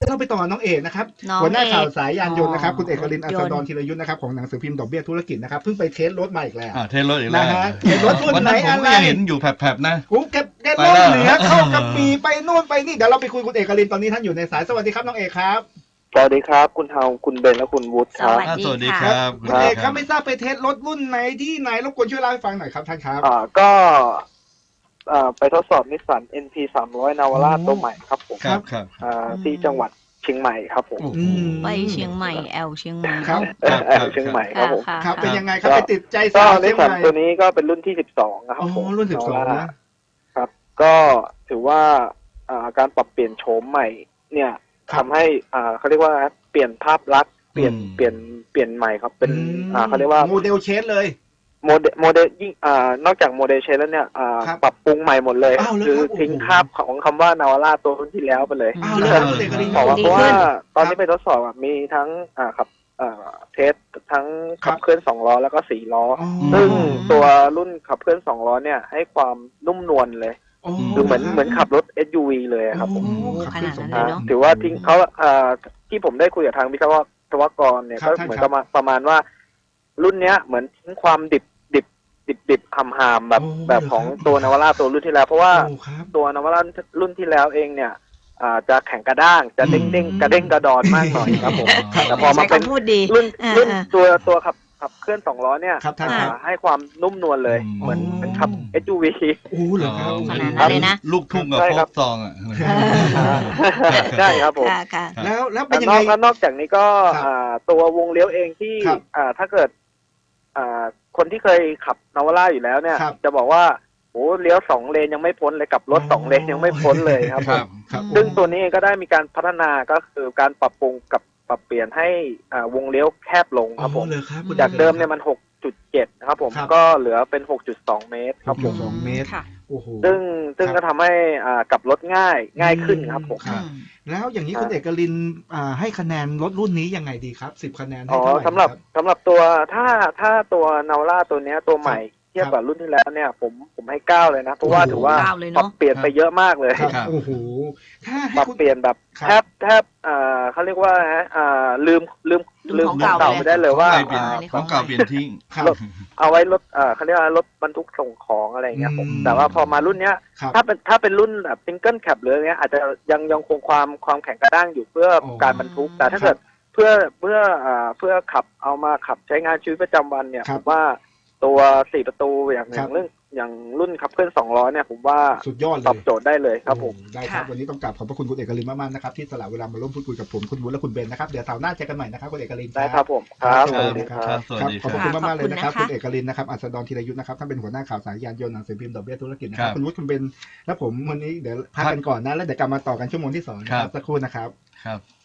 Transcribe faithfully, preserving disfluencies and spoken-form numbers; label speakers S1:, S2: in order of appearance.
S1: เราไปต่อน้องเอกนะครับหัวหน้าข่าวสายยานยนต์นะครับคุณเอกลินอัศดรธีรยุทธ์นะครับของหนังสือพิมพ์ดอกเบี้ยธุรกิจนะครับเพิ่งไปเทสรถมาอีกแล้ว
S2: เทสรถอีกแล้ว
S1: นะฮะเทสรถรุ่นไหนอะไร
S2: เห็นอยู่แผลบๆนะ
S1: ผมแกแกล่องเหนือเข้ากับปีไปโน่นไปนี่เดี๋ยวเราไปคุยคุณเอกลินตอนนี้ท่านอยู่ในสายสวัสดีครับน้องเอกครับ
S3: สวัสดีครับคุณเฮาคุณเบนและคุณวุฒิครับ
S2: สวัสดีครับ
S1: คุณเอกครับไม่ทราบไปเทสรถรุ่นไหนที่ไหนรบกวนช่วยเล่าให้ฟังหน่อยครับท่านครับ
S3: อ่าก็อ่าไปทดสอบนิสสัน เอ็น พี สามร้อย นาวาร่าตัวใหม่ครับผม
S2: ครับครับ
S3: อ่าที่จังหวัดเชียงใหม่ครับผม
S4: ไปเชียงใหม่แอลเชียงใหม่
S1: ครับ
S3: แอลเชียงใหม่ครับผม
S1: ครับเป็นยังไงครับไปติดใจสา
S3: ว
S1: เชี
S3: ยงใหม่ตัวนี้ก็เป็นรุ่นที่สิบสองครับผม
S1: รุ่นสิบสองนะครับ
S3: ก็ถือว่าอ่าการปรับเปลี่ยนโฉมใหม่เนี่ยทำให้อ่าเขาเรียกว่าเปลี่ยนภาพลักษณ์เปลี่ยนเปลี่ยนเปลี่ยนใหม่ครับเป็นอ่าเขาเรียกว่า
S1: โมเดลเชนเลย
S3: โมเดลโมเดลยิ่งอ่านอกจากโมเดลเชนแล้วเนี่ยอ่าปรับปรุงใหม่หมดเลยคือทิ้งภาพของคำว่านาวาร่าตัวรุ่นที่แล้วไปเลยบอกว่าเพราะว่าตอนนี้ไปทดสอบมีทั้งอ่าขับอ่าเทสทั้งขับเคลื่อนสองล้อแล้วก็สี่ล้อซึ่งตัวรุ่นขับเคลื่อนสองล้อเนี่ยให้ความนุ่มนวลเลยคือเหมือนเหมือนขับรถ เอส ยู วี เลยครับผม
S4: ขนาดนั้นเลยเนาะ
S3: ถือว่าทิ้งเขาอ่าที่ผมได้คุยกับทางวิศวกรเนี่ยก็เหมือนกับประมาณว่ารุ่นเนี้ยเหมือนทิ้งความดิบดิบดิบดิบหำหามแบบแบบของตัวนาวาร่าตัวรุ่นที่แล้วเพราะว่าตัวนาวาร่ารุ่นที่แล้วเองเนี่ยอ่าจะแข็งกระด้างจะเด้งเด้งกระเด้งกระดอนมากหน่อยครับผมแต่พอมาเป็นรุ่นรุ่นตัวตัวขับขับเคลื่อนสองล้อเนี่ยให้ความนุ่มนวลเลยเหมือนเป็นขับ เอส ยู วี
S1: โอ้เหรอครับ
S4: ขนาดนั้นเลยนะ
S2: ลูกทุ่งกับโฟกซองอ่ะ
S3: ใช่ครับผม
S1: แล้วแล้วเป็นยังไง
S3: นอกจากนี้ก็ตัววงเลี้ยวเองที่ถ้าเกิดคนที่เคยขับนาวาร่าอยู่แล้วเนี่ยจะบอกว่าโอ้เลี้ยวสองเลนยังไม่พ้นเลยกับรถสองเลนยังไม่พ้นเลยครับซึ่งตัวนี้ก็ได้มีการพัฒนาก็คือการปรับปรุงกับปรับเปลี่ยนให้วงเลี้ยวแคบลงครับผมจากเดิมเนี่ยมัน หกจุดเจ็ด นะครับผมก็เหลือเป็น หกจุดสอง เมตรครับผม
S1: สองเมตร
S3: ซึ่งซึ่งก็ทำให้กลับรถง่ายง่ายขึ้นครับผม
S1: แล้วอย่างนี้คุณเอกลินให้คะแนนรถรุ่นนี้ยังไงดีครับสิบคะแนน
S3: อ๋อสำหรับสำหรับตัวถ้าถ้าตัวนาวาร่าตัวนี้ตัวใหม่เทียบกับรุ่นที่แล้วเนี่ยผมผมให้เก้าเลยนะเพราะว่าถือว่าปรับเปลี่ยนไปเยอะมากเลย
S1: โอ้โห
S3: ปรับเปลี่ยนแบบแทบแทบอ่าเขาเรียกว่าอ่าลืมลืมลืมของเก่าไปได้เลยว่า
S2: ของเก่าเปลี่ยนทิ้ง
S3: เอาไว้รถอ่าเขาเรียกว่ารถบรรทุกส่งของอะไรเงี้ยผมแต่ว่าพอมารุ่นเนี้ยถ้าเป็นถ้าเป็นรุ่นแบบซิงเกิลแคปหรือเงี้ยอาจจะยังยังคงความความแข็งกระด้างอยู่เพื่อการบรรทุกแต่ถ้าเกิดเพื่อเพื่ออ่าเพื่อขับเอามาขับใช้งานชีวิตประจำวันเนี่ยผมว่าตัวสี่ประตูอย่างอย่างเรื่องอย่างรุ่นขับเคลื่อนสองล้อเนี่ยผมว่า
S1: สุดยอดเลย
S3: ตอบโจทย์ได้เลยครับผม
S1: ได้ครับวันนี้ต้องกราบขอบพระคุณคุณเอกลินมากๆนะครับที่สละเวลามาร่วมพูดคุยกับผมคุณวุฒิและคุณเบนนะครับเดี๋ยวเสาร์หน้าเจอกันใหม่นะครับคุณเอกลิน
S3: ได้ครับผมครับ
S1: สวัสดีครับขอบคุณมากๆเลยนะครับคุณเอกลินนะครับอัศดรธีรยุทธ์นะครับท่านเป็นหัวหน้าข่าวสายยานยนต์หนังสือพิมพ์ดอกเบี้ยธุรกิจนะครับคุณวุฒิคุณเบนและผมวันนี้เดี๋ยวพักกันก่อนนะแล้วเดี๋ยวกลับมาต่อกันชั่วโมงที่สองนะครับสักครู่นะครับ
S2: ครับ